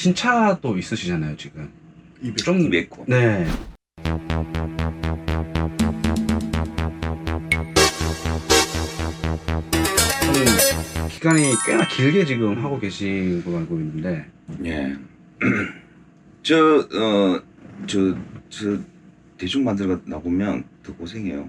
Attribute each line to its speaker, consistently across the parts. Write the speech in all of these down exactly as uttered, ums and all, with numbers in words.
Speaker 1: 신차도 있으시잖아요 지금.
Speaker 2: 이백.
Speaker 1: 좀
Speaker 3: 이백 호.
Speaker 1: 네. 좀 기간이 꽤나 길게 지금 하고 계신 걸로 알고 있는데.
Speaker 3: 예. 저, 어, 저, 저, 대충 만들어 나보면 더 고생해요.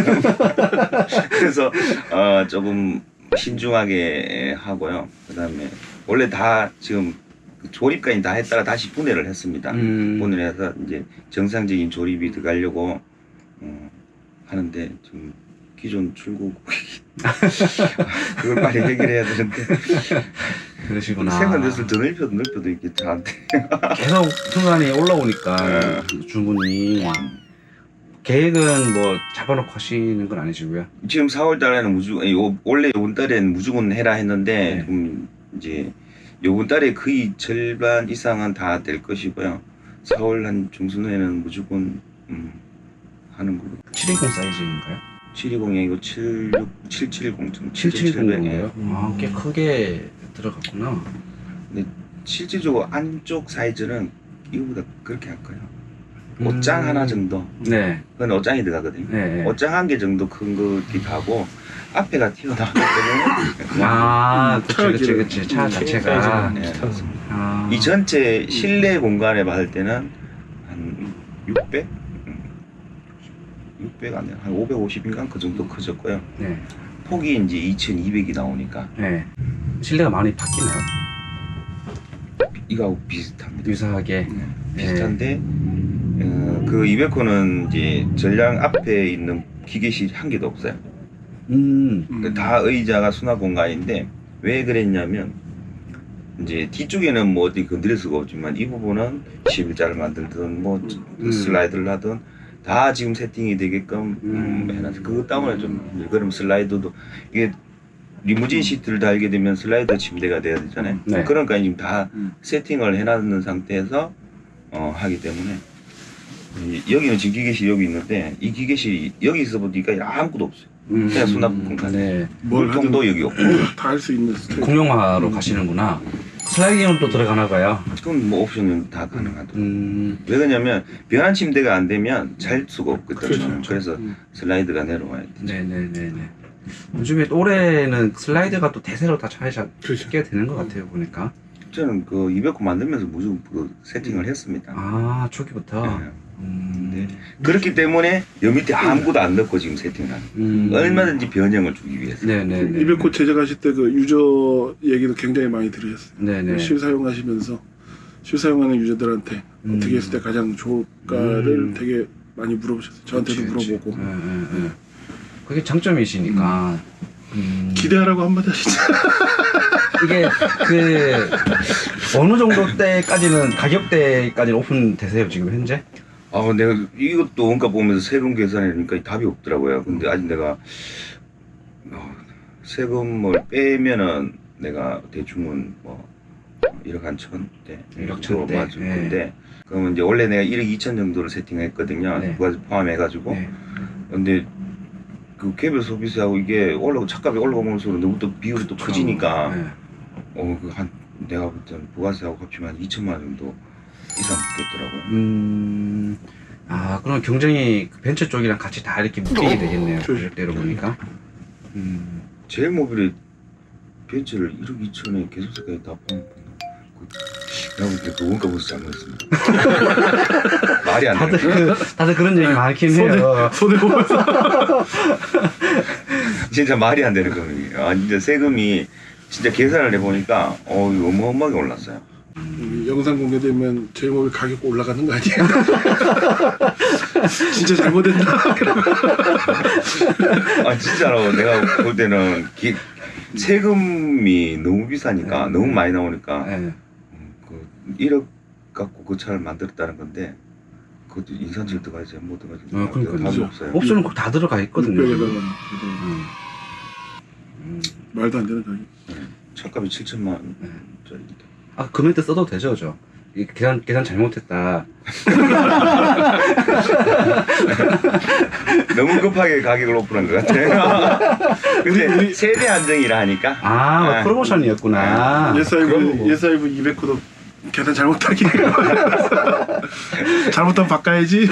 Speaker 3: 그래서, 어, 조금 신중하게 하고요. 그 다음에, 원래 다 지금 조립까지 다 했다가 다시 분해를 했습니다.
Speaker 1: 음.
Speaker 3: 분해를 해서 이제 정상적인 조립이 들어가려고, 어, 하는데, 좀, 기존 출고 그걸 빨리 해결해야 되는데
Speaker 1: 그러시구나.
Speaker 3: 생산돼서 더 넓혀도 넓혀도 이게 잘 안 돼.
Speaker 1: 계속 순간이 올라오니까
Speaker 3: 네.
Speaker 1: 주문이 계획은 뭐 잡아놓고 하시는 건 아니시고요.
Speaker 3: 지금 사월 달에는 무조건 요- 원래 요번 달에는 무조건 해라 했는데
Speaker 1: 네.
Speaker 3: 좀 이제 요번 달에 거의 절반 이상은 다 될 것이고요. 사월 한 중순에는 무조건 음, 하는 걸로.
Speaker 1: 칠백이십 사이즈인가요?
Speaker 3: 칠백이십이 아니고 칠십육, 칠백칠십,
Speaker 1: 칠백칠십이에요?
Speaker 2: 음.
Speaker 1: 아, 꽤 크게 들어갔구나.
Speaker 3: 근데 실질적으로 안쪽 사이즈는 이거보다 그렇게 할 거예요.
Speaker 1: 음.
Speaker 3: 옷장 하나 정도.
Speaker 1: 네.
Speaker 3: 그건 옷장이 들어가거든요.
Speaker 1: 네.
Speaker 3: 옷장 한 개 정도 큰 거기도 하고 앞에가 튀어나오기 때문에 그냥
Speaker 1: 아, 그치,
Speaker 2: 차가
Speaker 1: 그치,
Speaker 2: 길어요.
Speaker 1: 그치. 차
Speaker 2: 음,
Speaker 1: 자체가.
Speaker 3: 네.
Speaker 1: 아.
Speaker 3: 이 전체 실내 공간에 봤을 때는 한 육백? 육백 아니야. 한 오백오십인가 그 정도 커졌고요.
Speaker 1: 네.
Speaker 3: 폭이 이제 이천이백이 나오니까
Speaker 1: 네. 실내가 많이 바뀌나요?
Speaker 3: 이거하고 비슷합니다.
Speaker 1: 유사하게.
Speaker 3: 네, 비슷한데 어, 그 이백 호는 이제 전량 앞에 있는 기계실이 한 개도 없어요.
Speaker 1: 음.
Speaker 2: 음.
Speaker 3: 다 의자가 수납 공간인데 왜 그랬냐면 이제 뒤쪽에는 뭐 어디 건드릴 수가 없지만 이 부분은 십일자를 만들든 뭐
Speaker 1: 음.
Speaker 3: 슬라이드를 하든 다 지금 세팅이 되게끔 음,
Speaker 1: 음.
Speaker 3: 해놔서 그것 때문에 좀 그럼 슬라이드도 이게 리무진 시트를 달게 되면 슬라이드 침대가 돼야 되잖아요.
Speaker 1: 네.
Speaker 3: 그러니까 지금 다
Speaker 2: 음.
Speaker 3: 세팅을 해놨는 상태에서 어, 하기 때문에 이- 여기는 지금 기계실이 여기 있는데 이 기계실이 여기 있어 보니까 아무것도 없어요.
Speaker 1: 음.
Speaker 3: 그냥 수납 공간.
Speaker 1: 네.
Speaker 2: 뭘 하든
Speaker 3: 물통도 여기 없고
Speaker 2: 다 할 수 있는 스타일.
Speaker 1: 공용화로 가시는구나. 슬라이딩은 또 들어가나 봐요.
Speaker 3: 그건 뭐 옵션은 다 가능하더라고요.
Speaker 1: 음.
Speaker 3: 왜 그러냐면 변환 침대가 안 되면 잘 수가 없거든요.
Speaker 2: 그렇죠.
Speaker 3: 그래서
Speaker 2: 음.
Speaker 3: 슬라이드가 내려와야 돼.
Speaker 1: 네네네네. 요즘에 올해는 슬라이드가 또 대세로 다 잘
Speaker 2: 그렇죠.
Speaker 1: 잡게 되는 것 같아요, 보니까.
Speaker 3: 저는 그 이백 호 만들면서 무조건 그 세팅을 했습니다.
Speaker 1: 아, 초기부터.
Speaker 3: 네.
Speaker 1: 음.
Speaker 3: 네. 그렇기 때문에 여 밑에 아무것도 안 넣고 지금 세팅을 하는 거예요.
Speaker 1: 음.
Speaker 3: 얼마든지 변형을 주기 위해서.
Speaker 1: 네네네.
Speaker 2: 이백 호 제작하실 때 그 유저 얘기도 굉장히 많이 들으셨어요.
Speaker 1: 네네.
Speaker 2: 실사용하시면서 실사용하는 유저들한테
Speaker 1: 음.
Speaker 2: 어떻게 했을 때 가장 좋을까를
Speaker 1: 음.
Speaker 2: 되게 많이 물어보셨어요. 저한테도
Speaker 1: 그치, 그치.
Speaker 2: 물어보고.
Speaker 1: 네, 네, 네. 그게 장점이시니까. 음.
Speaker 2: 기대하라고 한마디 하시죠.
Speaker 1: 이게 그 어느 정도 때까지는 가격대까지는 오픈되세요 지금 현재?
Speaker 3: 아, 내가 이것도 원가 보면서 세금 계산해니까 답이 없더라고요. 근데 아직 내가 어, 세금을 빼면은 내가 대충은 뭐 일억 한 천대,
Speaker 1: 일억 천대.
Speaker 3: 맞을
Speaker 1: 네.
Speaker 3: 건데 그러면 이제 원래 내가 일억 이천 정도를 세팅했거든요.
Speaker 1: 네.
Speaker 3: 그거 포함해가지고.
Speaker 1: 네.
Speaker 3: 근데 그 개별 소비세하고 이게 올라고 차값이 올라가면서 너무 또 비율이 또 커지니까
Speaker 1: 네.
Speaker 3: 어 그 한 내가 볼 때는 부가세하고 합치면 한 이천만 원 정도 이상 붙겠더라고요.
Speaker 1: 음. 아, 그럼 경쟁이 그 벤처 쪽이랑 같이 다 이렇게 묶이게 되겠네요.
Speaker 2: 그렇죠.
Speaker 1: 가격대로 보니까. 음.
Speaker 3: 제일 모빌이 벤츠를 일억 이천에 계속세까지 다 포함. 내가 볼 때 그 원가 벌써 잘못했습니다. 말이 안
Speaker 1: 다들
Speaker 3: 되는 거야.
Speaker 1: 그, 다들 그런 얘기 많긴
Speaker 2: 손에
Speaker 1: 해요.
Speaker 2: 손에 보면서
Speaker 3: 진짜 말이 안 되는 겁니다. 아 진짜 세금이 진짜 계산을 해보니까 어 이거 어마어마하게 올랐어요.
Speaker 2: 음, 영상 공개되면 제목이 가격 올라가는 거 아니에요? 진짜 잘못했나?
Speaker 3: 아 진짜로 내가 볼 때는 기, 세금이 너무 비싸니까
Speaker 1: 네.
Speaker 3: 너무 많이 나오니까
Speaker 1: 네.
Speaker 3: 음, 그 일억 갖고 그 차를 만들었다는 건데 그것도 인산철 들어가야지 못 들어가지.
Speaker 1: 아, 그러니까요.
Speaker 3: 답이 없어요.
Speaker 1: 옵션은 다 들어가 있거든요.
Speaker 2: 육백에다가
Speaker 1: 음. 음.
Speaker 2: 말도 안 되는 가격.
Speaker 3: 차값이 칠천만 원짜리인데.
Speaker 1: 아, 그 멘트 써도 되죠, 저. 이 계산 계산 잘못했다.
Speaker 3: 너무 급하게 가격을 오픈한 것 같아요. 근데 세대 안정이라 하니까
Speaker 1: 아,
Speaker 3: 네.
Speaker 1: 프로모션이었구나.
Speaker 2: 예사이브
Speaker 3: 그런 거고.
Speaker 2: 예사이브 이백 호도 계산 잘못하기. 잘못하면 바꿔야지.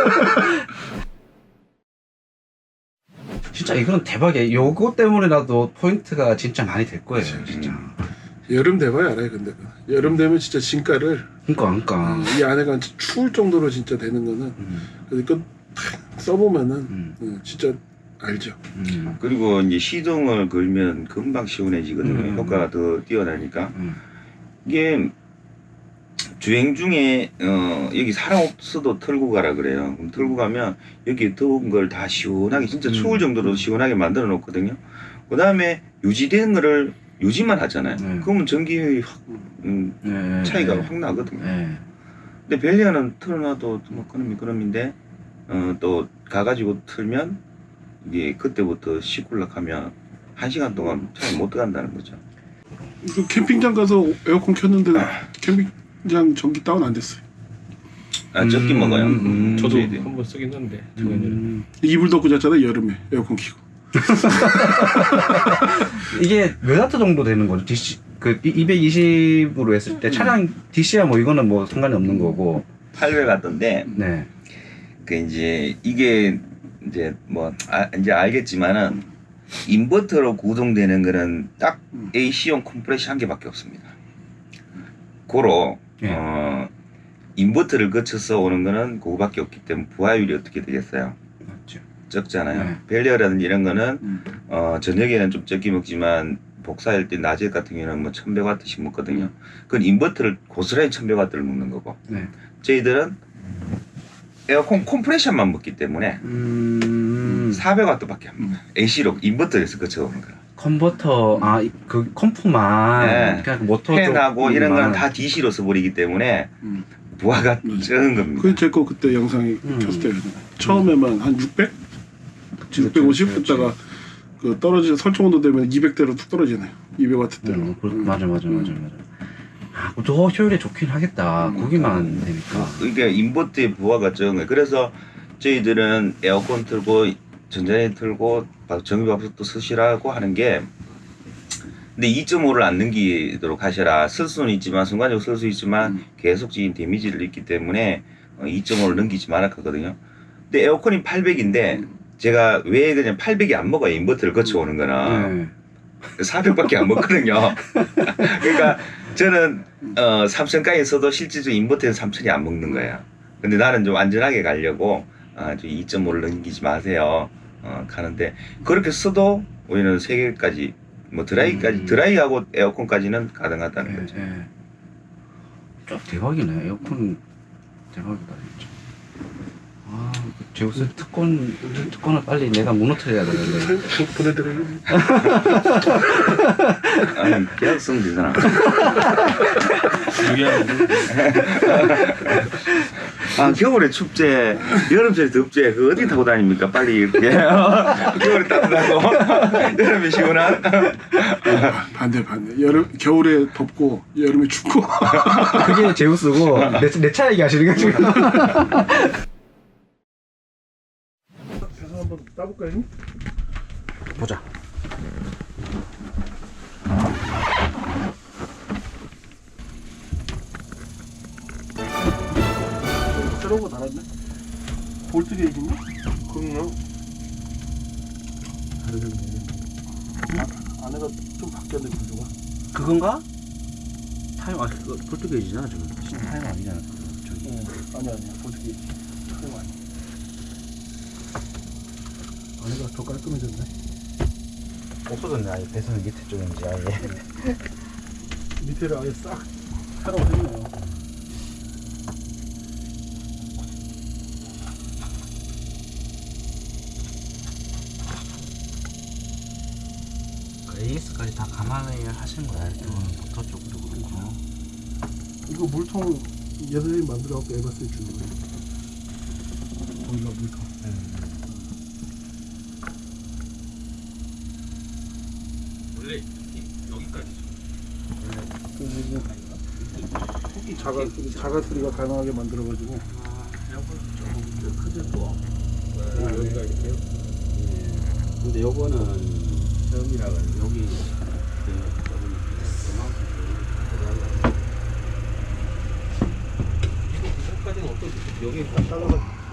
Speaker 1: 진짜 이건 대박이야. 요거 때문에라도 포인트가 진짜 많이 될 거예요. 진짜.
Speaker 2: 여름 돼봐야 알아요. 근데 여름 되면 진짜 진가를
Speaker 1: 그러니까 그러니까.
Speaker 2: 이 안에가 추울 정도로 진짜 되는 거는
Speaker 1: 음,
Speaker 2: 그러니까 써보면은
Speaker 1: 음,
Speaker 2: 음, 진짜 알죠.
Speaker 1: 음,
Speaker 3: 그리고 이제 시동을 걸면 금방 시원해지거든요.
Speaker 1: 음.
Speaker 3: 효과가 더 뛰어나니까.
Speaker 1: 음.
Speaker 3: 이게 주행 중에 어 여기 사람 없어도 털고 가라 그래요. 그럼 털고 가면 여기 더운 걸 다 시원하게 진짜 추울
Speaker 1: 음.
Speaker 3: 정도로 시원하게 만들어 놓거든요. 그 다음에 유지된 거를 유지만 하잖아요.
Speaker 1: 네.
Speaker 3: 그러면 전기 확 음,
Speaker 1: 네,
Speaker 3: 차이가
Speaker 1: 네.
Speaker 3: 확 나거든요.
Speaker 1: 네.
Speaker 3: 근데 벨리아는 틀어놔도 뭐 그놈이 그놈인데 어, 또 가가지고 틀면 이게 그때부터 시굴락하면 한 시간 동안 차에 못 들어간다는 거죠.
Speaker 2: 그 캠핑장 가서 에어컨 켰는데 캠핑장 전기 다운 안 됐어요.
Speaker 3: 아 적게
Speaker 1: 음,
Speaker 3: 먹어요.
Speaker 1: 음,
Speaker 4: 저도
Speaker 3: 저희들.
Speaker 4: 한 번 쓰긴 했는데 작년에.
Speaker 1: 음.
Speaker 2: 이불 덮고 잤잖아요. 여름에 에어컨 켜고.
Speaker 1: 이게 몇 와트 정도 되는 거죠? 디씨 그 이백이십으로 했을 때 차량 디씨야 뭐 이거는 뭐 상관이 없는 거고.
Speaker 3: 팔백 왔던데
Speaker 1: 네.
Speaker 3: 그 이제 이게 이제 뭐 아, 이제 알겠지만은 인버터로 구동되는 거는 딱
Speaker 2: 음.
Speaker 3: 에이씨용 컴프레셔 한 개밖에 없습니다. 고로
Speaker 1: 예.
Speaker 3: 어, 인버터를 거쳐서 오는 거는 그거밖에 없기 때문에 부하율이 어떻게 되겠어요?
Speaker 1: 맞죠.
Speaker 3: 적잖아요.
Speaker 1: 네.
Speaker 3: 벨리어라든지 이런 거는
Speaker 2: 음.
Speaker 3: 어, 저녁에는 좀 적게 먹지만 복사할 때 낮에 같은 경우는 뭐 천백 와트씩 먹거든요. 그건 인버터를 고스란히 천백 와트를 먹는 거고
Speaker 1: 네.
Speaker 3: 저희들은 에어컨 컴프레셔만 먹기 때문에
Speaker 1: 음.
Speaker 3: 사백 와트밖에 안 먹어요. 에이씨로 인버터에서 거쳐오는 거야.
Speaker 1: 컨버터 아 그 컴프만
Speaker 3: 네.
Speaker 1: 그냥 모터
Speaker 3: 팬하고 이런
Speaker 1: 쪽만.
Speaker 3: 건 다 디씨로 써버리기 때문에
Speaker 2: 음.
Speaker 3: 부하가
Speaker 2: 음.
Speaker 3: 적은 겁니다.
Speaker 2: 그 제 거 그때 영상이
Speaker 1: 음.
Speaker 2: 켰을 때 처음에만 한 육백? 육백오십
Speaker 1: 그치, 그치.
Speaker 2: 했다가 그 떨어지 설정 온도 되면 이백대로 툭 떨어지네요. 이백 와트대로.
Speaker 1: 음, 그, 맞아 맞아 맞아 맞아. 아, 더 효율이 좋긴 하겠다.
Speaker 2: 음.
Speaker 1: 고기만 되니까.
Speaker 3: 그러니까 인버터의 부하가 적은 거예요. 그래서 저희들은 에어컨 틀고 전자레인지 틀고 전기밥솥도 쓰시라고 하는 게 근데 이 점 오를 안 넘기도록 하셔라. 쓸 수는 있지만 순간적으로 쓸 수 있지만
Speaker 2: 음.
Speaker 3: 계속적인 데미지를 입기 때문에 이 점 오를 넘기지 말아 하거든요. 근데 에어컨이 팔백인데 제가 왜 그냥 팔백이 안 먹어요. 인버터를 거쳐오는 거는
Speaker 1: 네.
Speaker 3: 사백밖에 안 먹거든요. 그러니까 저는 어, 삼천까지 써도 실질적으로 인버터에서 삼천이 안 먹는 거예요. 근데 나는 좀 안전하게 가려고 아, 이 점 오를 넘기지 마세요. 어, 가는데 그렇게 써도 우리는 세 개까지 뭐 드라이까지
Speaker 1: 음.
Speaker 3: 드라이하고 에어컨까지는 가능하다는
Speaker 1: 네,
Speaker 3: 거죠.
Speaker 1: 네. 좀 대박이네. 에어컨 대박이다 진짜. 아, 그 제우스 특권 특권을 빨리 내가 무너뜨려야 되는데.
Speaker 2: 보내드려요.
Speaker 3: 아니 계약 쓰면 되잖아. 아 겨울에 축제, 여름철에 덥제 그 어디 타고 다닙니까? 빨리 이렇게 겨울에 따뜻하고 여름에 시원한.
Speaker 2: 반대 반대. 여름 겨울에 덥고 여름에 춥고.
Speaker 1: 그게 제우스고 내, 내 차 얘기하시는 거 지금.
Speaker 2: 그래서 한번 따볼까요?
Speaker 1: 보자.
Speaker 2: 새로운 거 달았네. 볼트 게이지인가? 그럼요. 아, 안에가 좀 바뀌었네 구조가.
Speaker 1: 그건가? 타임 아 그거 볼트게이지잖아 지금. 타임 아니잖아. 저기.
Speaker 2: 응. 아니 아니야 볼트 게이지. 타임 아니야. 안에가 더 깔끔해졌네.
Speaker 1: 없어졌네. 아예 배선은 밑에 쪽인지 아예.
Speaker 2: 밑에를 아예 싹 새로 했네요.
Speaker 1: 그 에이에스까지 다 감안해 하신 거야. 이거는 모터 쪽도 그렇고.
Speaker 2: 이거 물통 얘들이 만들어갖고 에바스에 주는 거예요. 거기가 물통.
Speaker 4: 원래 여기까지.
Speaker 2: 이 자가 자가 수리가 가능하게 만들어가지고.
Speaker 4: 여기가 이렇게요.
Speaker 5: 근데 요거는 처음이라 여기 그 조금 여기 딱 잘라가